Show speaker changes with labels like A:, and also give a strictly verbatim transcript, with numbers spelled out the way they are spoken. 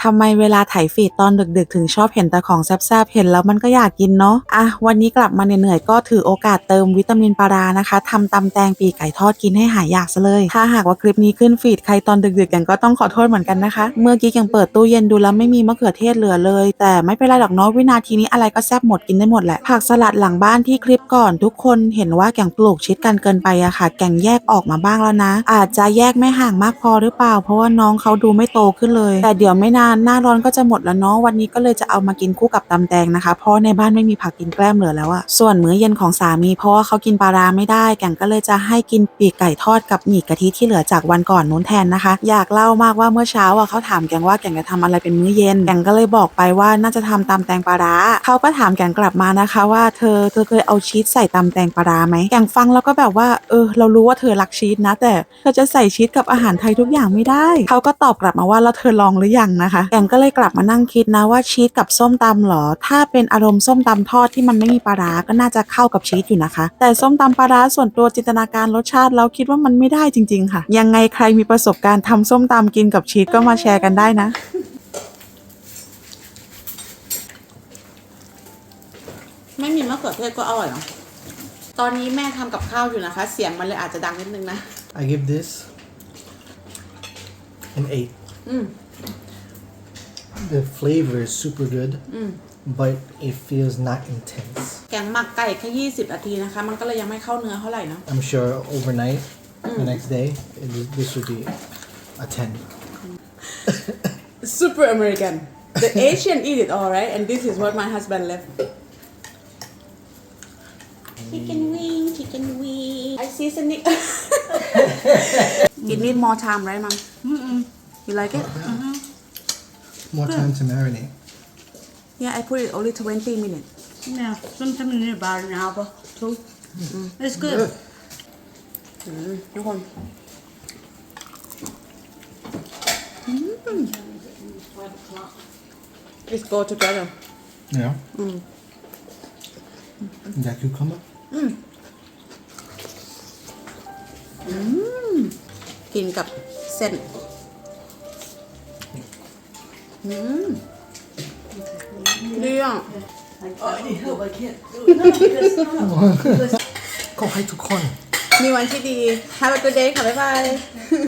A: ทำไมเวลาถ่ายฟีดตอนดึกๆถึงชอบเห็นแต่ของแซ่บๆเห็นแล้วมันก็อยากกินเนาะอ่ะวันนี้กลับมาเหนื่อยๆก็ถือโอกาสเติมวิตามินปลาร้านะคะทำตำแตงปีกไก่ทอดกินให้หายอยากซะเลยถ้าหากว่าคลิปนี้ขึ้นฟีดใครตอนดึกๆกันก็ต้องขอโทษเหมือนกันนะคะเมื่อกี้ยังเปิดตู้เย็นดูแล้วไม่มีมะเขือเทศเหลือเลยแต่ไม่เป็นไรหรอกเนาะวินาทีนี้อะไรก็แซ่บหมดกินได้หมดแหละผักสลัดหลังบ้านที่คลิปก่อนทุกคนเห็นว่าแกงปลูกชิดกันเกินไปอะค่ะแกงแยกออกมาบ้างแล้วนะอาจจะแยกไม่ห่างมากพอหรือเปล่าเพราะว่าน้องเขาดูไม่โตขึ้นเลยแต่เดี๋ยวไม่นานหน้าร้อนก็จะหมดแล้วเนาะวันนี้ก็เลยจะเอามากินคู่กับตำแตงนะคะเพราะในบ้านไม่มีผักกินแกล้มเหลือแล้วอะส่วนมื้อเย็นของสามีเพราะว่าเขากินปลาร้าไม่ได้แกงก็เลยจะให้กินปีกไก่ทอดกับหมี่กะทิที่เหลือจากวันก่อนนู้นแทนนะคะอยากเล่ามากว่าเมื่อเช้าอะเขาถามแกงว่าแกงจะทำอะไรเป็นมื้อเย็นแกงก็เลยบอกไปว่าน่าจะทำตำแตงปลาร้าเขาก็ถามแกงกลับมานะคะว่าเธอเธอเคยเอาชีสใส่ตำแตงปลาร้าไหมแกงฟังแล้วก็แบบว่าเออเรารู้ว่าเธอรักชีสนะแต่เธอจะใส่ชีสกับอาหารไทยทุกอย่างไม่ได้เขาก็ตอบกลับมาว่าแล้วเธอลองหรือยังนะคะแกงก็เลยกลับมานั่งคิดนะว่าชีสกับส้มตำหรอถ้าเป็นอารมณ์ส้มตำทอดที่มันไม่มีปลาร้าก็น่าจะเข้ากับชีสอยู่นะคะแต่ส้มตำปลาร้าส่วนตัวจินตนาการรสชาติแล้วคิดว่ามันไม่ได้จริงๆค่ะยังไงใครมีประสบการณ์ทำส้มตำกินกับชีสก็มาแชร์กันได้นะไม่มีมะเขือเทศก็อร่อยเนาะตอนนี้แม่ทำกับข้าวอยู่นะคะเสียงมันเลยอาจจะดังนิดนึงนะ
B: I give this an eight.
A: อืม
B: The flavor is super good,
A: อืม
B: but it feels not intense.
A: แกงหมักไก่แค่ยี่สิบนาทีนะคะมันก็เลยยังไม่เข้าเนื้อเท่าไหร่เนาะ
B: I'm sure overnight, the next day, it, this would be a ten.
A: Super American the Asian eat it all right and this is what my husband left chicken wing chicken wing I season it it need more time right mom you like it
B: More time to marinate.
A: yeah I put it only twenty minutes
C: Yeah, sometimes you need about an hour too. It's good.
A: ทุกคนLet's go together
B: Yeah. That cucumber?
A: กินกับเส้นอืมดีอ่ะ
B: ขอให้ทุกคน
A: มีวันที่ดี Have a good day ค่ะ บ๊ายบาย